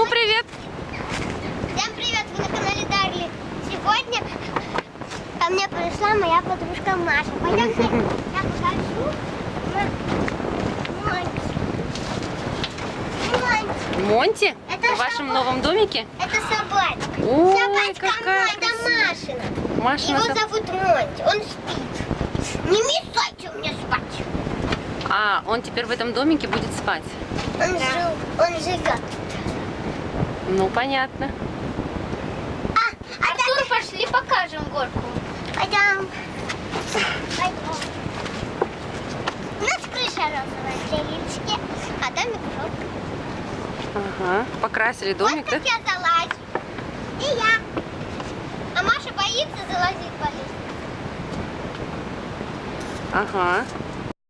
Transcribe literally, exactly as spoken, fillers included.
Ну, привет! Всем привет, вы на канале Дарли. Сегодня ко мне пришла моя подружка Маша. Пойдемте, я покажу. Монти. Монти? Это В вашем собака. новом домике? Это собачка. Ой, Собачка какая моя, это красивая. Машина. Машина. Его зовут Монти, он спит. Не мешайте мне спать. А, он теперь в этом домике будет спать? Он, жил, он живет. Ну, понятно. А, а так пошли покажем горку. Пойдем. Пойдем. У нас крыша розовая, целички, а домик желтый. Ага, покрасили домик, Вот да? как я залазю. И я. А Маша боится залазить по лестнице. Ага.